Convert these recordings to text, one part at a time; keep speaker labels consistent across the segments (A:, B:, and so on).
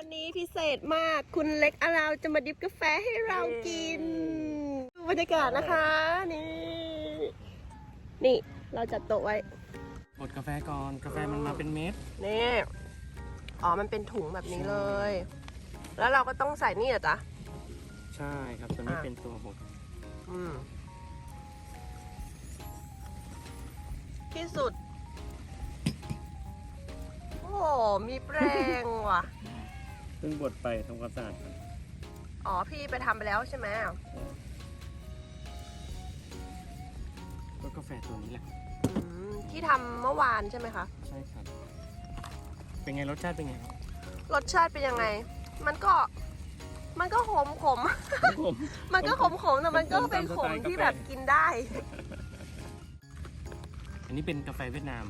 A: วันนี้พิเศษมากคุณเล็กอาราวจะมาดิฟกาแฟให้เรากินดูบรรยากาศนะคะนี่เราจัดโต๊ะไว้
B: บดกาแฟก่อนกาแฟมันมาเป็นเม็ด
A: นี่มันเป็นถุงแบบนี้เลย แล้วเราก็ต้องใส่นี่เหรอจ๊ะ
B: ใช่ครับตัวนี้เป็นตัวบด
A: ที่สุดโอ้มีแปรงว่ะ
B: เพิ่งบดไปทำความสะอาด
A: พี่ไปทำไปแล้วใช่ไหม
B: ก็กาแฟตัวนี้แหละ
A: ที่ทำเมื่อวานใช่ไหมคะ
B: ใช่ครับเป็นไงรสชาติเป็นไงครับ
A: รสชาติเป็นยังไงมันก็ขมมันก็ขมแต่มันก็เป็นขมที่แบบกินได้
B: อันนี้เป็นกาแฟเวียดนาม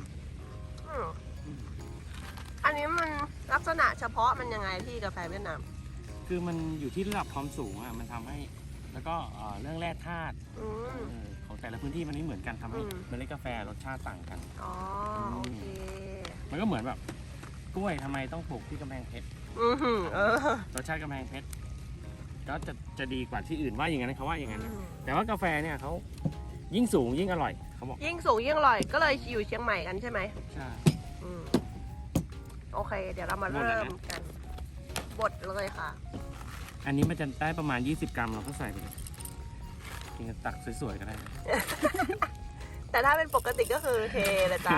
A: อันนี้มันลักษณะเฉพาะมันยังไงที่กาแฟเวียดนาม
B: คือมันอยู่ที่ระดับความสูงมันทำให้แล้วก็เรื่องแร่ธาตุของแต่ละพื้นที่มันไม่เหมือนกันทำให้เมล็ดกาแฟรสชาติต่างกัน
A: โอเค
B: มันก็เหมือนแบบกล้วยทำไมต้องปลูกที่กำแพงเพชรรสชาติกำแพงเพชรก็จะดีกว่าที่อื่นว่าอย่างนั้นเขาว่าอย่างนั้นแต่ว่ากาแฟเนี่ยเขายิ่งสูงยิ่งอร่อยเขาบอก
A: ยิ่งสูงยิ่งอร่อยก็เลยอยู่เชียงใหม่กันใช่ไหม
B: ใช่
A: โอเคเดี๋ยวเรามาเริ่มกันบดเลยค่ะ
B: อันนี้มันจะได้ประมาณ20 กรัมเราก็ใส่ไปเลยกินตักสวยๆก็ได้
A: แต่ถ้าเป็นปกติก็คือเทเลยจ้า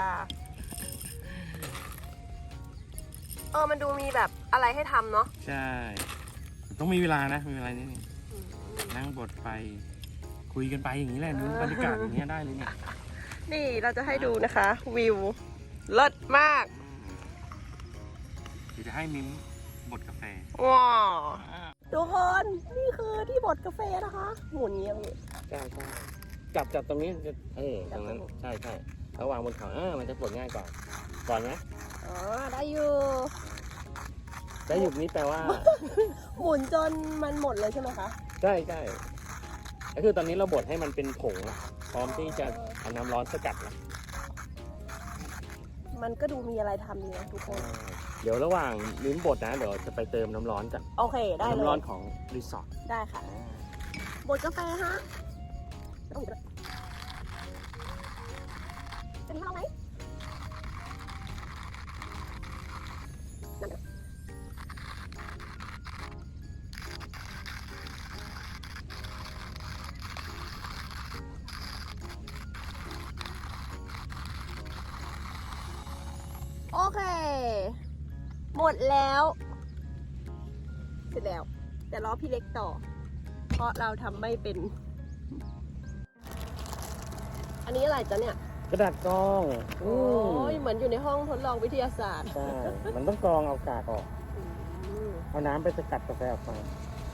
A: มันดูมีแบบอะไรให้ทำเนาะ
B: ใช่ต้องมีเวลานะมีเวลานิดนึงนั่งบดไปคุยกันไปอย่างนี้แหละนึกบรรยากาศอย่างนี้ได้เลยเนี่ย
A: นี่เราจะให้ดูนะคะวิวเลิศมาก
B: เดี๋ยวจะให้มิ้มบดกาแฟ
A: ว้าวทุกคนนี่คือที่บดกาแฟนะคะหมุนเงี้ย
B: ใช่จับตรงนี้จะตรงนั้นใช่ระวางบนขามันจะบดง่ายกว่าก่อนไหม
A: ได้อยู่
B: นี่แปลว่า
A: หมุนจนมันหมดเลยใช่ไหมคะ
B: ใช่ก็คือตอนนี้เราบดให้มันเป็นผงพร้อมที่จะเอาน้ำร้อนสกัดแล้ว
A: มันก็ดูมีอะไรทำดีนะทุกคน
B: เดี๋ยวระหว่างลิ้นบดนะเดี๋ยวจะไปเติมน้ำร้อนกัน
A: โอเคได้เลย
B: น้ำร้อนของรีสอร์ท
A: ได้ค่ะบดกาแฟฮะจะมีเราไหมโอเคหมดแล้วเสร็จแล้วแต่รอพี่เล็กต่อเพราะเราทำไม่เป็นอันนี้อะไรจ๊ะเนี่ย
B: กระดาษกรอง
A: โอ้ยเหมือนอยู่ในห้องทดลองวิทยาศาสตร์
B: ใช่มันต้องกรองเอากากออกเอาน้ำไปสกัดกาแฟออกมา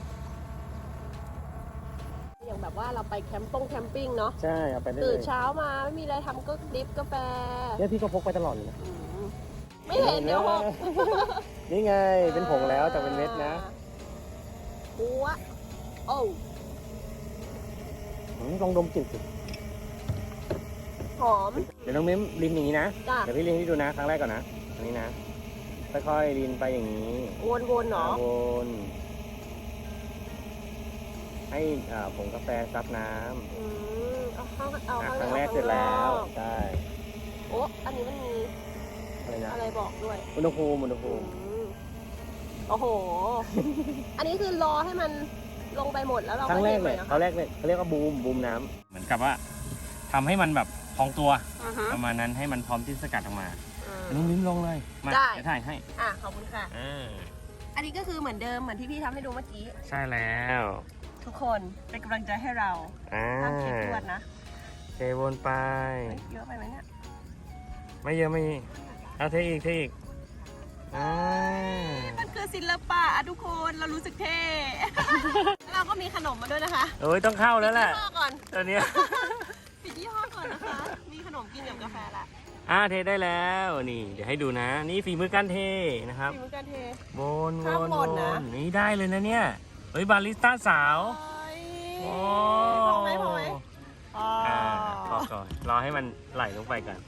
A: อย่างแบบว่าเราไปแคมปิ้งเนาะ
B: ใช่เอาไปได้เลย
A: ตื่นเช้ามาไม่มีอะไรทำก็ดริฟกาแฟ
B: เนี่ยพี่ก็พกไปตลอดเลยนะ
A: ไม่เห็นเดี๋ยวหก
B: นี่ไงเป็นผงแล้วแต่เป็นเม็ดนะ
A: บัวโอ้
B: ลองดมกลิ่นสิ
A: หอม
B: เดี๋ยวน้องมิ้มรินอย่างนี้นะเดี๋ยวพี่รินให้ดูนะครั้งแรกก่อนนะอันนี้นะค่อยๆรินไปอย่างนี้
A: วนๆเนาะ
B: วนให้ผงกาแฟซับน้
A: ำ
B: ครั้งแรกเสร็จแล้วใช่
A: โอ้อันนี้มันมีอะไรบอกด้วย
B: อุณหภูมิ
A: โอ้โหอันนี้คือรอให้มันลงไปหมดแล้วเรา
B: ครั้งแรกเลยเขาเรียกว่าบูมน้ำเหมือนกับว่าทำให้มันแบบพองตัวประมาณนั้นให้มันพร้อมที่สกัดออกมาน้องมิ้มลงเลยมาจะถ่ายให้
A: ขอบคุณค่ะอันนี้ก็คือเหมือนเดิมเหมือนที่พี่ทำให้ดูเมื่อกี้
B: ใช่แล้ว
A: ทุกคนเป็นกำลังใจให้เราทำคลิปรวดนะ
B: เทวนไป
A: เยอะไปไหมเนี่ย
B: ไม่เยอะไม่เอาเทอีก
A: มันคือศิลปะทุกคนเรารู้สึกเท่เราก็มีขนมมาด้วยนะคะ
B: ต้องเข้าแล้วแหละ
A: ปิดยี่ห้อก่อน
B: ตอนนี้
A: ปิดยี่ห้อก่อนนะคะมีขนมกินกับกาแฟละ
B: เทได้แล้วนี่เดี๋ยวให้ดูนะนี่ฝีมือการเทนะครับ
A: ฝีมือการเท
B: วนนี่ได้เลยนะเนี่ยบาริสต้าสาว
A: พอไหมพอ
B: ก่อนรอให้มันไหลลงไปกัน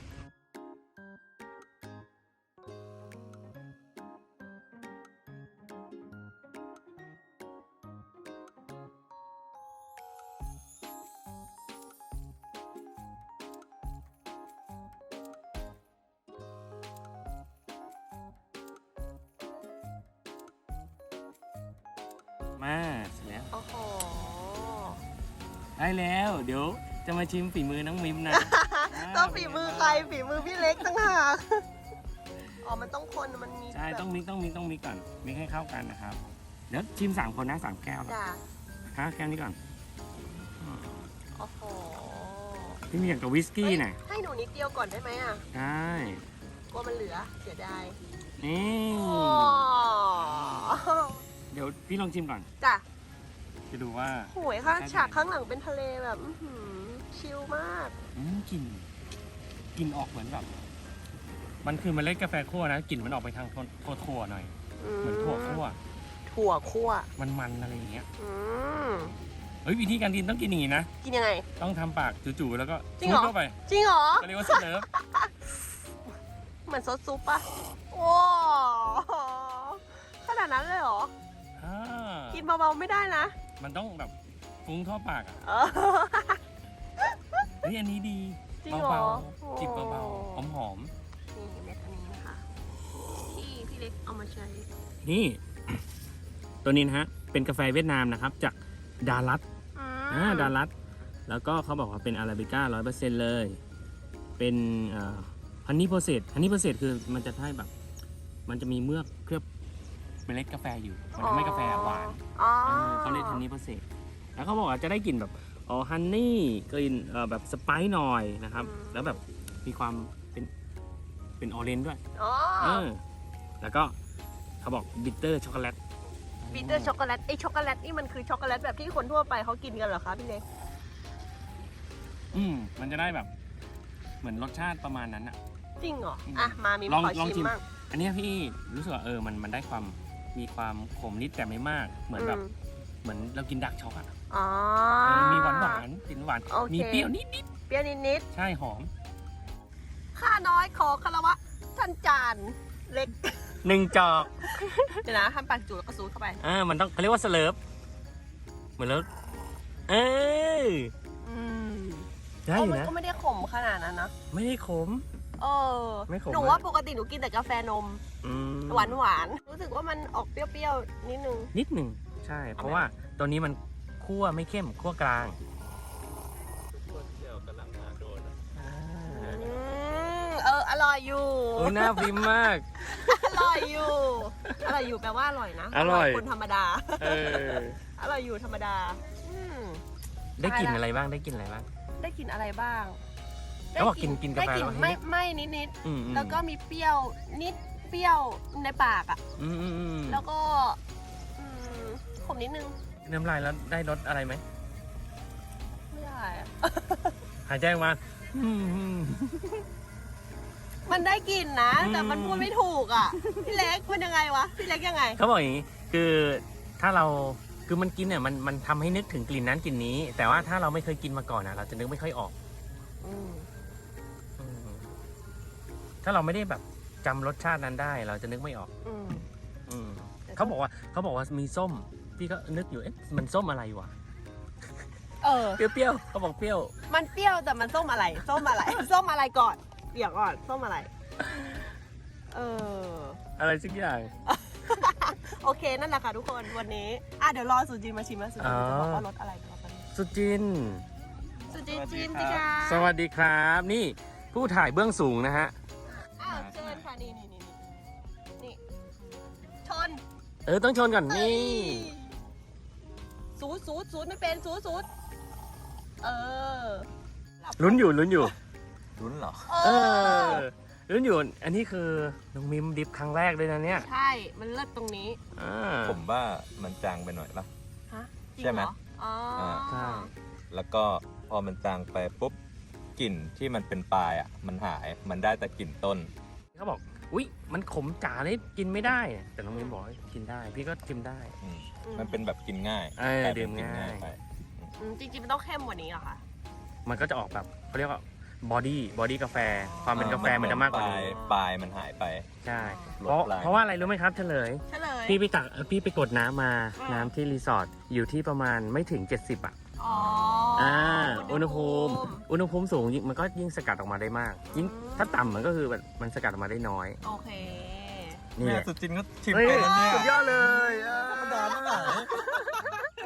A: อ้โห
B: ได้แล้วเดี๋ยวจะมาชิมฝีมือน้องมิมนะ
A: ต้องฝีมือใครฝีมือพี่เล็กตั้งหากอ๋อมันต้องคนมันมี
B: ใช่
A: แบบ
B: ต้องมิกก่อนมิกให้เข้ากันนะครับเดี๋ยวชิม3 คนนะ3 แก้วนะ
A: จ้ะ
B: ฮะแก้วนี้ก่อน
A: โอ้โห
B: พี่มีอย่างกับวิสกี้น่ะ
A: ให้หนูนิดเดียวก่อนได้ไหมอ่ะ
B: ได้
A: กลัวมันเหลือเสียดาย
B: นี่
A: โอ้
B: เดี๋ยวพี่ลองชิมก่อน
A: จ้ะ
B: จะดูว่า
A: โหยค่ะฉากข้างหลังเป็นทะเลแบบอื้อหือชิลมาก
B: กลิ่นออกเหมือนแบบมันคือเมล็ดกาแฟคั่วนะกลิ่นมันออกไปทางถั่วหน่อยเหมือนถั่วคั่ว
A: ถั่วคั่ว
B: มันอะไรอย่างเงี้ย
A: อืม
B: เฮ้ยวิธีการกินต้องกินอย่างนี้นะ
A: กินยังไง
B: ต้องทำปากจู่ๆแล้วก็
A: จริงเหรอ
B: ซุปเข้าไป
A: จริงเหรอ
B: ก็เรียกว่าสเลิฟ
A: เหมือนซดซุปปะว้าวขนาดนั้นเลยเหรอ
B: อ่า
A: กินเบาๆไม่ได้นะ
B: มันต้องแบบฟุ้งทั่วปากอ่ะ
A: เออ
B: เฮ้ยอันนี้ดี
A: จริงเหรอ
B: เบาๆจิบเบาๆหอม
A: นี่เม็ดอันนี้นะคะที่พี่เล็กเอามาใช้
B: ๆนี่ ตัวนี้นะฮะเป็นกาแฟเวียดนามนะครับจากดารัต ดารัตแล้วก็เขาบอกว่าเป็นอาราบิก้า 100% เลย เป็นฮันนี่โปรเซสคือมันจะให้แบบ มันจะมีเมือกเคลือบเมล็ดกาแฟอยู่ มันทำให้กาแฟหวาน
A: อ๋อ
B: เขาเรียกฮันนี่โปรเซสแล้วเขาบอกว่าจะได้กลิ่นแบบฮันนี่กลิ่นแบบสไปซ์หน่อยนะครับ แล้วแบบมีความเป็นออเรนจ์ด้วย
A: อ๋อ
B: แล้วก็เขาบอกบิตเตอร์ช็อกโกแลต
A: บิตเตอร์ช็อกโกแลตไอช็อกโกแลตนี่มันคือช็อกโกแลตแบบที่คนทั่วไปเขากินกันเหรอคะพี่เล็ก
B: มันจะได้แบบ เหมือนรสชาติประมาณนั้นอะ
A: จริงเหรอ อ่ะ มามี
B: ลอง
A: ขอ
B: ลองชิ
A: ชิม
B: ม
A: บ้าง
B: อันเนี้ยพี่รู้สึกว่ามันได้ความมีความขมนิดแต่ไม่มาก เหมือนแบบเหมือนเรากินดักช็อกอะ
A: อ๋อ
B: มีหวานกลิ่นหวาน
A: โอเค
B: มีเปรี้ยวนิด
A: เปรี้ยวนิด
B: ๆใช่หอม
A: ๆข้าน้อยขอคารวะท่านจานเล็ก
B: 1 จอก
A: เดี๋ยวนะทำปากจูแล้วก็ซูดเข้าไป
B: มันต้องเขาเรียกว่าสเลิฟเหมือนแล้วได้อยู่
A: มัน
B: นะ
A: ก็ไม่ได้ขมขนาดนั้นนะ
B: ไม่ได้ขม
A: เออ
B: ไม่ขม
A: หนูว่าปกติหนูกินแต่กาแฟนม หวานรู้สึกว่ามันออกเปรี้ยวๆนิดนึง
B: นิดหนึ่งใช่ เพราะว่าตัวนี้มันคั่วไม่เข้มคั่วกลาง
A: อร่อยอยู่
B: โอ้ยน่าพิมพ์มาก
A: อร่อยอยู่ อร่อยอยู่แปลว่าอร่อยนะ
B: อร่อย
A: คนธรรมดา อร่อยอยู่ธรรมดา
B: ได้กลิ่นอะไรบ้างได้กลิ่นอะไรบ้าง
A: ได้กลิ่นอะไรบ้าง
B: เขาบอกกินกาแฟ
A: ได้กลิ่น
B: แล้ว
A: ไม่นิด
B: อืม
A: ๆแล้วก็มีเปรี้ยวนิดเปรี้ยวในปากอ่ะ แล้วก็ขมนิดนึง
B: น้ำลายแล้วได้รสอะไรไหม
A: ไม่ได้อะ
B: หายใจออกมา
A: มันได้กลิ่นนะ แต่มันพูดไม่ถูกอ่ะ พี่เล็กมันยังไงวะ พี่เล็กยังไง
B: เขาบอกอย่างนี้คือถ้าเราคือมันกินเนี่ยมันทำให้นึกถึงกลิ่นนั้นกลิ่นนี้ แต่ว่าถ้าเราไม่เคยกินมาก่อนนะเราจะนึกไม่ค่อยออกถ้าเราไม่ได้แบบจำรสชาตินั้นได้ เราจะนึกไม่ออกเขาบอกว่ามีส้มพี่ก็นึกอยู่มันส้มอะไรวะเปรี้ยวเขาบอกเปรี้ยว
A: มันเปรี้ยวแต่มันส้มอะไร ส้มอะไร ส้มอะไรก่อนเดี๋ยวก่อนส้มอะไร
B: อะไรสักอย่าง
A: โอเคนั่นแหละค่ะทุกคนวันนี้เดี๋ยวรอสุจินมาชิมนะสุจินจะบอกว่ารสอะไรกัน
B: สุจิน
A: ชิมสิคะ
B: สวัสดีครับ นี่ผู้ถ่ายเบื้องสูงนะฮะ
A: เชิญค่ะนี่ชน
B: ต้องชนก่อนนี่
A: สูดไม่เป็นสูด
B: ลุ้นอยู่
C: ลุ้นเหรอ
B: ลุ้นอยู่อันนี้คือน้องมิมดิฟครั้งแรกเลยนะเนี่ย
A: ใช่มันเลิศตรงนี้
C: ผมว่ามันจางไปหน่อยปะ
A: ฮะจริง
C: ใช่ไหม
A: รอ๋อ
B: ใช่
C: แล้วก็พอมันจางไปปุ๊บกลิ่นที่มันเป็นปลายอ่ะมันหายมันได้แต่กลิ่นต้น
B: เขาบอกอุ๊ยมันขมจ๋าเลยกินไม่ได้ แต่น้องมิมบอกว่ากินได้ พี่ก็กินได้
C: มันเป็นแบบกินง่าย
B: ดื่มง่าย
C: ไป
A: จริงๆมันต้องเข้มกว่านี้เหรอคะ
B: มันก็จะออกแบบเขาเรียกว่าบอดี้กาแฟความเป็นกาแฟมันจะมากกว่านี้
C: ปลายมันหายไป
B: ใช่
C: ลดปลาย
B: เพราะว่าอะไรรู้ไหมครับเฉลย พี่ไปกดน้ำมาน้ำที่รีสอร์ทอยู่ที่ประมาณไม่ถึง 70อ่ะ อุณหภูมิสูงมันก็ยิ่งสกัดออกมาได้มากยิ่งถ้าต่ำมันก็คือแบบมันสกัดออกมาได้น้อย
A: โอเค
B: นี่
C: เนี่
B: แห
C: ย
B: ละ
C: สุจินก็ชิม
B: เฮ้ย
C: ไปแล้วเนี่ย
B: สุดยอดเลย
C: ธรรมดาเท่าไหร่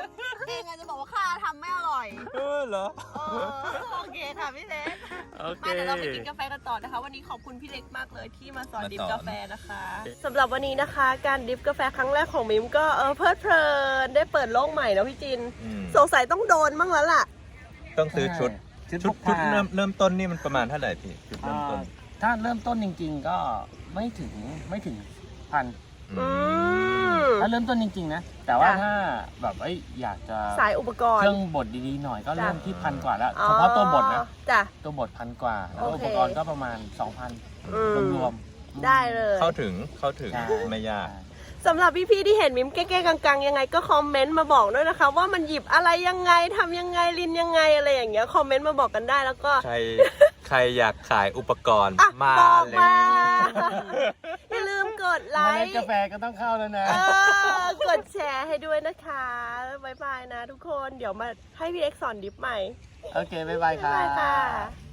A: เองจะบอกว่าข้าทำไม่อร่อย
C: เหรอ
A: โอเคค่ะพี่เล็ก
B: โอเค
A: มาเดี๋ยวเราไปกินกาแฟกันต่อนะคะ วันนี้ขอบคุณพี่เล็กมากเลยที่มาสอน
C: มาสอน
A: ดริฟกาแฟนะคะสำหรับวันนี้นะคะ การดริฟกาแฟครั้งแรกของมิมก็เพลิดเพลินได้เปิดโลกใหม่นะพี่จิน
C: อืม
A: สงสัยต้องโดนบ้างแล้วล่ะ
C: ต้องซื้อชุด
B: ชุดพกพา
C: เริ่มต้นนี่มันประมาณเท่าไหร่พี่ชุดเริ่มต้น
B: ถ้าเริ่มต้นจริง ๆ ก็ไม่ถึงพัน
A: อืม
B: ถ้าเริ่มต้นจริงๆนะ แต่ว่า
A: จ้ะ
B: ถ้าแบบอยากจะ
A: สายอุปกร
B: เค
A: ณ์
B: รื่องบดดีๆหน่อยก็
A: จ้ะ
B: เริ่มที่1,000 กว่าแล้วเฉพาะตัวบดนะ
A: จ้ะ
B: ตัวบด1,000 กว่า แล้ว
A: โอ
B: อุ
A: เค
B: ปกรณ์ก็ประมาณ 2,000
A: อืม
B: รวมๆ
A: ได้เลย
C: เข้าถึง
B: ใช่
C: ไม่ยาก
A: สำหรับพี่ๆที่เห็นมิมแก้ๆกังๆยังไงก็คอมเมนต์มาบอกด้วยนะคะ ว่ามันหยิบอะไรยังไงทำยังไงลินยังไงอะไรอย่างเงี้ยคอมเมนต์มาบอกกันได้แล้วก็
C: ใครอยากขายอุปกรณ์
A: อ่ะ
C: มา
A: บอก
C: เลย
A: มา อย่าลืมกดไล
B: เมล็ด
A: ค์
B: กาแฟก็ต้องเข้าแล้วนะ
A: กดแชร์ให้ด้วยนะคะบ๊ายบายนะทุกคนเดี๋ยวมาให้พี่เอ็กซ์สอนดิฟใหม่
B: โอเค บ๊ายบายครั
A: บ๊ายบายค่ะ
B: บ